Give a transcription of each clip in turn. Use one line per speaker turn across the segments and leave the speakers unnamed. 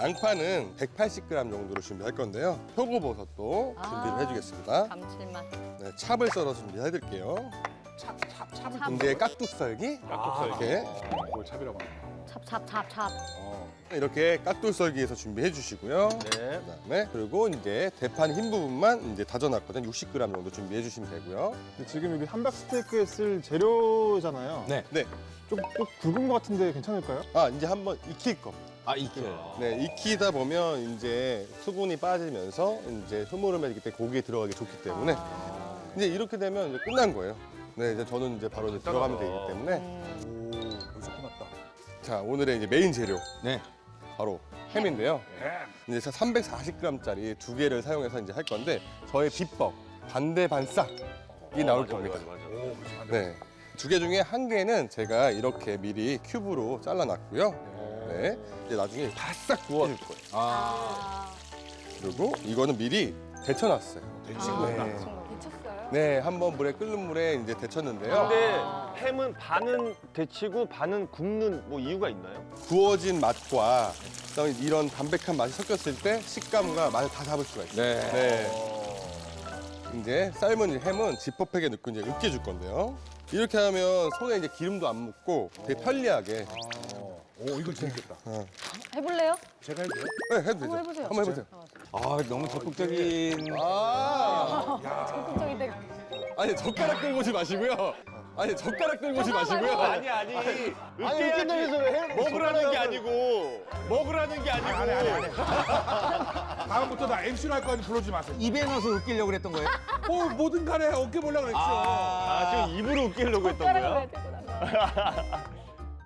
양파는 180g 정도로 준비할 건데요. 표고버섯도 준비를 해주겠습니다.
감칠맛.
네, 찹을 썰어서 준비해드릴게요.
찹.
이제 깍둑썰기. 이렇게.
그걸 찹이라고 하네.
찹.
이렇게 깍둑썰기에서 준비해 주시고요.
네.
그다음에 그리고 이제 대판 흰 부분만 이제 다져놨거든요. 60g 정도 준비해 주시면 되고요.
근데 지금 여기 함박 스테이크에 쓸 재료잖아요.
네.
좀 굵은 것 같은데 괜찮을까요?
아, 이제 한번 익힐 겁니다.
아, 익혀요.
네, 익히다 보면 이제 수분이 빠지면서 이제 흐물음에 이때 고기에 들어가기 좋기 때문에 이제 이렇게 되면 이제 끝난 거예요. 네, 이제 저는 이제 바로 이제 들어가면 되기 때문에
오, 벌써 끝났다.
자, 오늘의 이제 메인 재료
네.
바로 햄인데요. 이제 제가 340g짜리 두 개를 사용해서 이제 할 건데 저의 비법 반대 반싹이 나올 겁니다.
오, 벌써 한
네. 두 개 중에 한 개는 제가 이렇게 미리 큐브로 잘라놨고요. 네. 이제 나중에 바싹 구워줄 거예요.
아.
그리고 이거는 미리 데쳐놨어요.
된친구구나.
네.
미쳤어요?
네, 한번 끓는 물에 이제 데쳤는데요.
근데 햄은 반은 데치고 반은 굽는 뭐 이유가 있나요?
구워진 맛과 그다음에 이런 담백한 맛이 섞였을 때 식감과 맛을 다 잡을 수가 있어요.
네.
네. 이제 삶은 햄은 지퍼백에 넣고 이제 으깨줄 건데요. 이렇게 하면 손에 이제 기름도 안 묻고 되게 편리하게.
오, 이거 재밌겠다.
해볼래요?
제가 해도 돼요?
네, 해도 되죠.
한번 해보세요.
한번 해보세요.
아, 너무 적극적인.
적극적인데.
아니 젓가락 들고 오지 마시고요. 아니 젓가락 들고 오지 마시고요.
아니. 으깨야지. 먹으라는 게 아니고. 먹으라는 게 아니고.
아니. 다음부터 나 MC로 할 거 아니 부르지 마세요.
입에 넣어서 으깨려고 그랬던 거예요?
뭐든 간에 어깨 보려고 그랬죠.
아, 지금 입으로 으깨려고 했던
젓가락을
거야?
왜 들고 나가?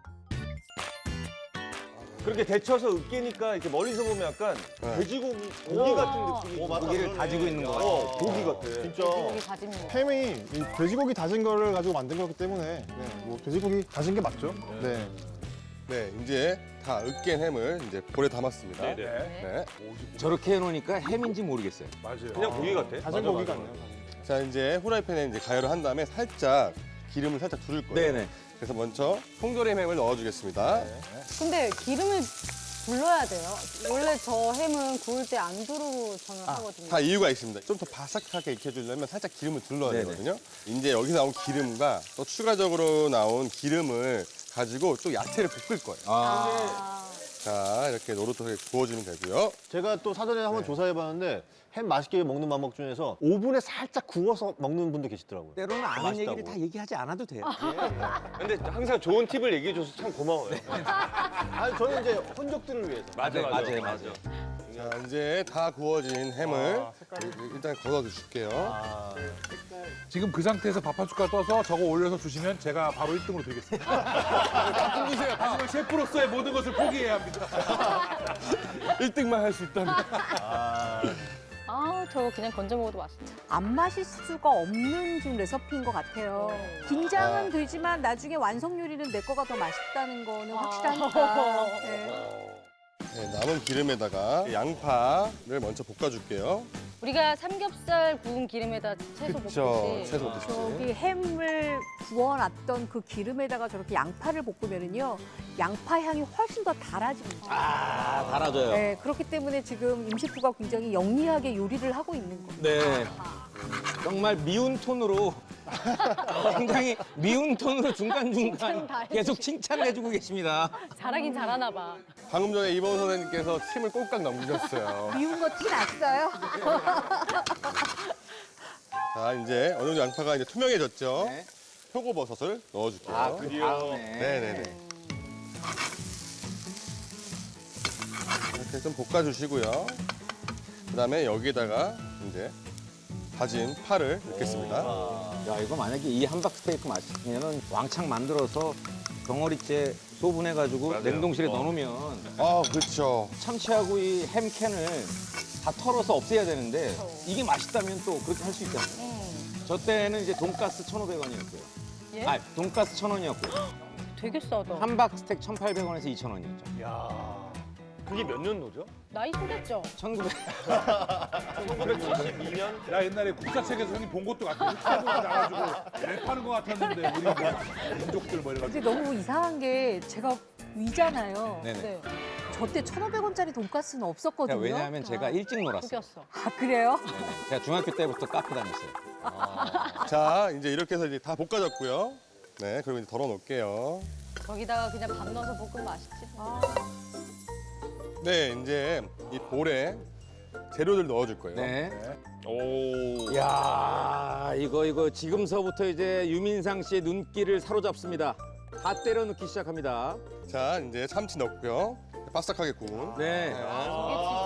그렇게 데쳐서 으깨니까 이렇게 멀리서 보면 약간 돼지고기 고기 같은 느낌이 고기를 다지고 있는 거 같아. 고기 같아. 진짜.
고기 다집니다.
햄이 이 돼지고기 다진 거를 가지고 만든 거기 때문에 네, 뭐 돼지고기 다진 게 맞죠? 네.
네, 이제 다 으깬 햄을 이제 볼에 담았습니다.
네.
네.
저렇게 해놓으니까 햄인지 모르겠어요.
맞아요.
그냥 고기 같아.
다진 고기 같네요.
자, 이제 후라이팬에 이제 가열을 한 다음에 살짝 기름을 살짝 두를 거예요.
네네.
그래서 먼저 통조림 햄을 넣어주겠습니다.
근데 기름을 둘러야 돼요. 원래 저 햄은 구울 때 안 두르고 저는 하거든요.
다 이유가 있습니다. 좀 더 바삭하게 익혀주려면 살짝 기름을 둘러야
네네.
되거든요. 이제 여기 나온 기름과 또 추가적으로 나온 기름을 가지고 또 야채를 볶을 거예요. 자, 이렇게 노릇하게 구워주면 되고요.
제가 또 사전에 한번 조사해봤는데 햄 맛있게 먹는 방법 중에서 오븐에 살짝 구워서 먹는 분도 계시더라고요.
때로는 아는
맛있다고.
얘기를 다 얘기하지 않아도 돼요.
근데 항상 좋은 팁을 얘기해줘서 참 고마워요. 아니 저는 이제 혼족들을 위해서.
맞아요.
자, 이제 다 구워진 햄을 일단 걷어줄게요.
지금 그 상태에서 밥 한 숟갈 떠서 저거 올려서 주시면 제가 바로 1등으로 드리겠습니다. 좀 주세요. 하지만 셰프로서의 모든 것을 포기해야 합니다.
1등만 할 수 있다면.
저거 그냥 건져 먹어도 맛있다.
안 마실 수가 없는 지금 레시피인 것 같아요. 긴장은 되지만 나중에 완성 요리는 내 거가 더 맛있다는 거는 확실하니까. 네.
네, 남은 기름에다가 양파를 먼저 볶아줄게요.
우리가 삼겹살 구운 기름에다 채소
그쵸,
볶듯이.
채소 볶듯이.
저기 햄을 구워놨던 그 기름에다가 저렇게 양파를 볶으면은요, 양파 향이 훨씬 더 달아집니다.
아, 달아줘요.
네, 그렇기 때문에 지금 임셰프가 굉장히 영리하게 요리를 하고 있는 겁니다.
네. 정말 미운 톤으로 굉장히 미운 톤으로
칭찬
중간중간
다 해주시-
계속 칭찬해주고 계십니다.
잘하긴 잘하나 봐.
방금 전에 이범 선생님께서 침을 꼴깍 넘기셨어요.
미운 거 티 났어요?
자, 이제 어느 정도 양파가 이제 투명해졌죠?
네.
표고버섯을 넣어줄게요.
아, 그 다음에.
네네네. 이렇게 좀 볶아주시고요. 그 다음에 여기에다가 이제 다진 파를 넣겠습니다.
야, 이거 만약에 이 함박 스테이크 맛있으면은 왕창 만들어서 덩어리째 소분해가지고 냉동실에 넣어놓으면
아, 그렇죠.
참치하고 이 햄캔을 다 털어서 없애야 되는데 이게 맛있다면 또 그렇게 할 수 있잖아요. 저 때는 이제 돈가스 1,500원이었고요.
예?
아, 돈가스 1,000원이었고요.
되게 싸다.
함박 스테이크 1,800원에서 2,000원이었죠.
그게 몇 년도죠?
나이 속였죠?
1900.
1972년?
나 옛날에 국사책에서 형님 본 것도 같아. 유튜브 나가지고 랩하는 것 같았는데 우리 뭐 민족들 뭐 이래가지고.
근데 너무 이상한 게 제가 위잖아요.
네네.
네. 저때 1,500원짜리 돈가스는 없었거든요.
왜냐하면 제가 일찍 놀았어요.
속였어.
아, 그래요?
제가 중학교 때부터 카페 다녔어요.
자, 이제 이렇게 해서 이제 다 볶아졌고요. 네, 그리고 이제 덜어 놓을게요.
거기다가 그냥 밥 넣어서 볶으면 맛있지.
네, 이제 이 볼에 재료들 넣어줄 거예요.
네. 오. 야, 이거 지금서부터 이제 유민상 씨의 눈길을 사로잡습니다. 다 때려 넣기 시작합니다.
자, 이제 참치 넣고요. 바삭하게 구운.
네.
이게 진짜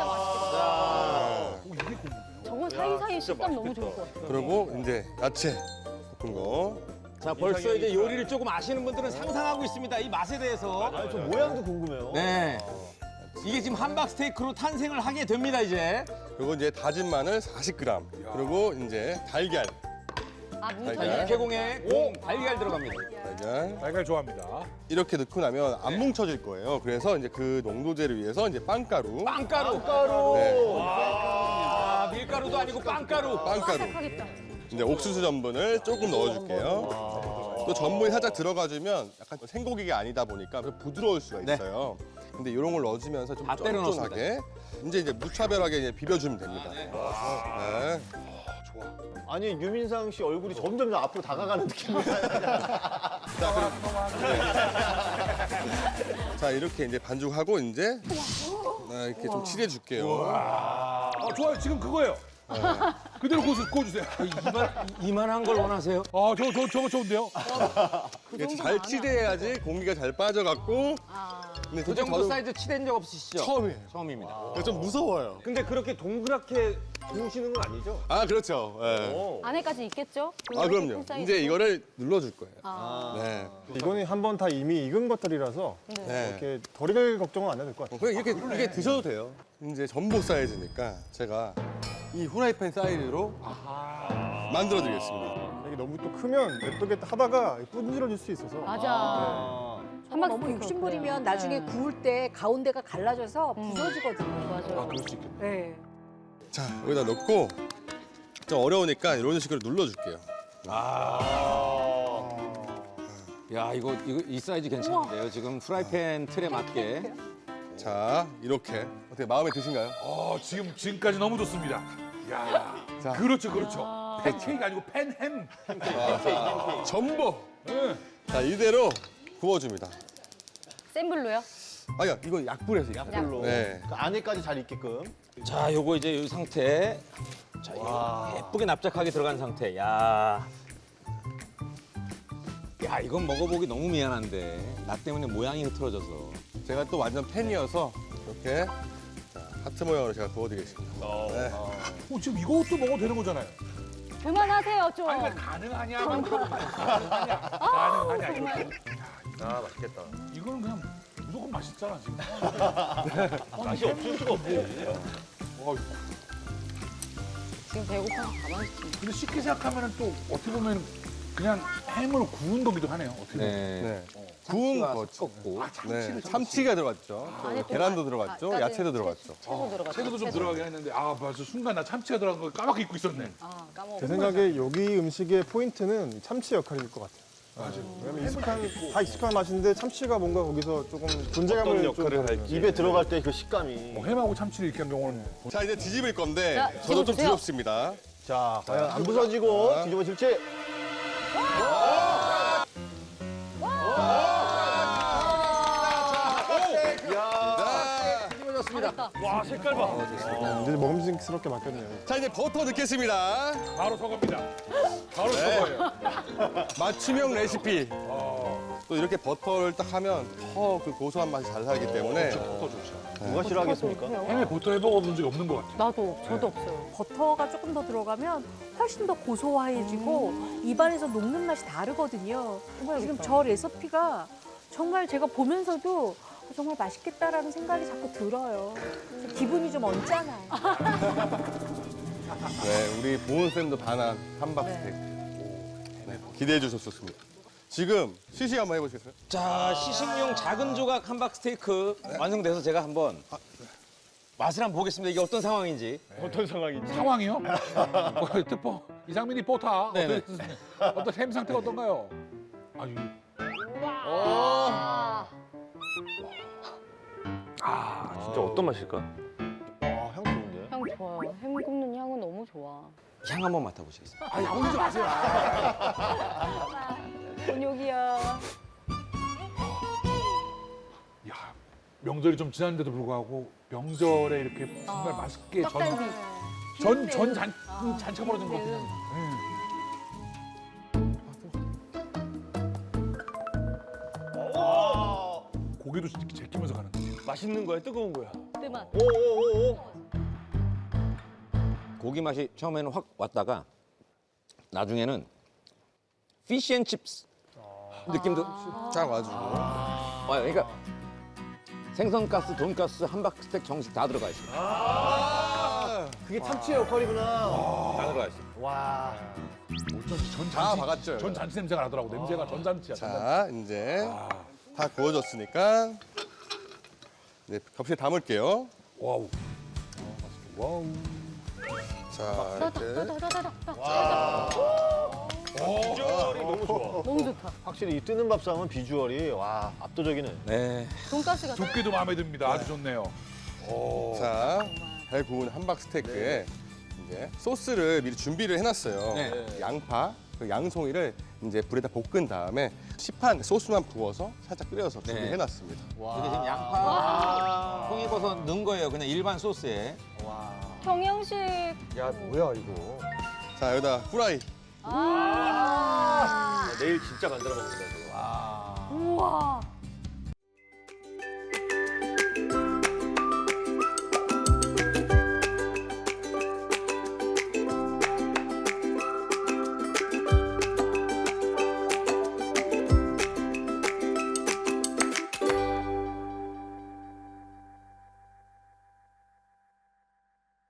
맛있겠다. 저건 사이사이 식감 너무 좋을 것 같아.
그리고 이제 야채 볶은 거.
자, 벌써 이제 요리를 조금 아시는 분들은 상상하고 있습니다. 이 맛에 대해서.
아니, 저 모양도 궁금해요.
네. 이게 지금 함박 스테이크로 탄생을 하게 됩니다, 이제.
그리고 이제 다진 마늘 40g. 그리고 이제 달걀.
아,
달걀.
뭉쳐져.
육개공에 공 달걀 들어갑니다.
달걀.
달걀 좋아합니다.
이렇게 넣고 나면 안 뭉쳐질 거예요. 그래서 이제 그 농도제를 위해서 이제 빵가루.
빵가루.
네,
아, 밀가루도 아니고 빵가루.
빵가루.
하겠다.
이제 옥수수 전분을 조금 넣어줄게요. 또 전분이 살짝 들어가주면 약간 생고기가 아니다 보니까 좀 부드러울 수가 있어요. 근데 이런 걸 넣어주면서 좀
다 때려
쫀쫀하게 이제 무차별하게 이제 비벼주면 됩니다. 네.
아니, 유민상 씨 얼굴이 점점 앞으로 다가가는 느낌이야.
자, 이렇게 이제 반죽하고 이제 이렇게 좀 칠해줄게요.
좋아요. 지금 그거예요. 그대로 구워주세요.
이만한 걸 원하세요?
저거 좋은데요?
이게 잘 칠해야지 공기가 잘 빠져갖고. 근데
그
솔직히
정도
저도
사이즈 칠한 적 없으시죠?
처음이에요.
처음입니다.
그래서 좀 무서워요.
근데 그렇게 동그랗게 구우시는 건 아니죠?
아, 그렇죠. 네.
어.
안에까지 있겠죠?
아, 그럼요. 이제 이거를 눌러줄 거예요.
아.
네.
이거는 한번 다 이미 익은 것들이라서
네.
이렇게 덜 익을 걱정은 안 해도 될 것 같아요.
그냥 이렇게 드셔도 돼요. 이제 전복 사이즈니까 제가 이 후라이팬 사이즈로 만들어 드리겠습니다.
이게 너무 또 크면 냅두게 하다가 분질러질 수 있어서
맞아.
한박 너무 욕심부리면 나중에 구울 때 가운데가 갈라져서 부서지거든요.
맞아.
그럴 수 있겠네.
네.
자, 여기다 넣고 좀 어려우니까 이런 식으로 눌러줄게요.
야, 이 사이즈 괜찮은데요? 지금 프라이팬 틀에 맞게.
자, 이렇게 어떻게 마음에 드신가요?
지금까지 너무 좋습니다. 야,
자.
그렇죠. 팬케이크 아니고 팬햄.
전복.
네.
자, 이대로 구워줍니다.
센 불로요?
아니야, 이거 약불에서 익혀요.
약불로.
네.
그 안에까지 잘 익게끔.
자, 요거 이제 이 상태. 자, 이거 예쁘게 납작하게 들어간 상태. 야, 이건 먹어보기 너무 미안한데. 나 때문에 모양이 흐트러져서.
제가 또 완전 팬이어서 이렇게 자, 하트 모양으로 제가 구워드리겠습니다. 네.
지금 이것도 먹어도 되는 거잖아요.
그만하세요, 좀.
아니, 가능하냐만 물어보는 거야. 가능하냐, 이렇게.
아, 맛있겠다.
이거는 그냥 무조건 맛있잖아, 지금.
맛이 없을 수가 없지.
지금 배고파서 가만히 있지.
근데 쉽게 생각하면 또 어떻게 보면 그냥 햄으로 구운 거기도 하네요. 어떻게 보면.
네.
네. 구운
참치가
거.
섞었고.
네. 참치가 들어갔죠.
안에 또
계란도
마-
들어갔죠.
아까는
야채도 들어갔죠.
채도 들어갔죠.
채도 좀 들어가긴 했는데 맞아 순간 나 참치가 들어간 거 까맣게 잊고 있었네.
아, 까먹어.
제 생각에 여기 음식의 포인트는 참치 역할일 것 같아요. 왜냐면 다 익숙한 맛인데 참치가 뭔가 거기서 조금 존재감을
어떤 역할을
좀
할지. 입에 들어갈 때 그 식감이.
햄하고 참치를 이렇게 한 경우는
자, 이제 뒤집을 건데
자,
저도 좀
뒤집어주세요.
두렵습니다.
자, 과연 안 부서지고
자.
뒤집어질지.
잘했다.
와, 색깔 봐.
이제 먹음직스럽게 바뀌었네요.
자, 이제 버터 넣겠습니다.
바로 서겁니다. 바로 서거예요.
맞춤형 레시피. 또 이렇게 버터를 딱 하면 더 그 고소한 맛이 잘 살기 때문에
버터 좋죠.
누가 싫어하겠습니까?
햄에 버터 해 먹어본 적이 없는 것 같아요.
나도, 저도 없어요.
버터가 조금 더 들어가면 훨씬 더 고소해지고 입안에서 녹는 맛이 다르거든요. 지금 저 레시피가 정말 제가 보면서도 정말 맛있겠다라는 생각이 자꾸 들어요. 기분이 좀 언짢아요.
네, 우리 보은 쌤도 반한 함박 스테이크. 네, 기대해 주셨습니다. 지금 시식 한번 해보시겠어요?
자, 시식용 작은 조각 함박 스테이크 완성돼서 제가 한번 맛을 한번 보겠습니다. 이게 어떤 상황인지.
어떤 상황인지.
상황이요? 뜻보 이상민이 뽀타.
네네.
어떤 햄 상태가 어떤가요? 아유,
진짜 어떤 맛일까?
향 좋은데?
향 좋아요. 햄 굽는 향은 너무 좋아.
향 한번 맡아보시겠어요?
아, 야올리지 마세요.
곤욕이야.
야, 명절이 좀 지났는데도 불구하고 명절에 이렇게 정말 맛있게
떡갈비.
잔차 벌어진 거 그냥. 고기도 제끼면서 가는 거.
맛있는 거야, 뜨거운 거야?
뜨맛.
고기 맛이 처음에는 확 왔다가 나중에는 피쉬앤칩스 느낌도
쫙 와주고.
와요. 그러니까 생선가스, 돈가스, 함박스테이크 정식 다 들어가 있어요.
그게 참치의 역할이구나.
다 들어가 있어요.
와.
어쩐지
다 박았죠,
전 잔치 냄새가 나더라고. 냄새가 전잔치야.
자, 이제 다 구워졌으니까 이제 접시에 담을게요.
와우.
자, 이렇게.
비주얼이 너무 좋아.
너무 좋다.
확실히 이 뜨는 밥상은 비주얼이 와 압도적이네.
네.
돈가스가
두께도 마음에 듭니다. 아주 좋네요.
자, 잘 구운 함박 스테이크에 이제 소스를 미리 준비를 해놨어요.
네.
양파, 그 양송이를 이제 불에다 볶은 다음에 시판 소스만 부어서 살짝 끓여서
네.
준비해놨습니다.
이게 지금 양파, 송이버섯 넣은 거예요. 그냥 일반 소스에.
경영식.
야, 뭐야, 이거.
자, 여기다 후라이.
아.
내일 진짜 만들어 먹는다, 이거.
우와.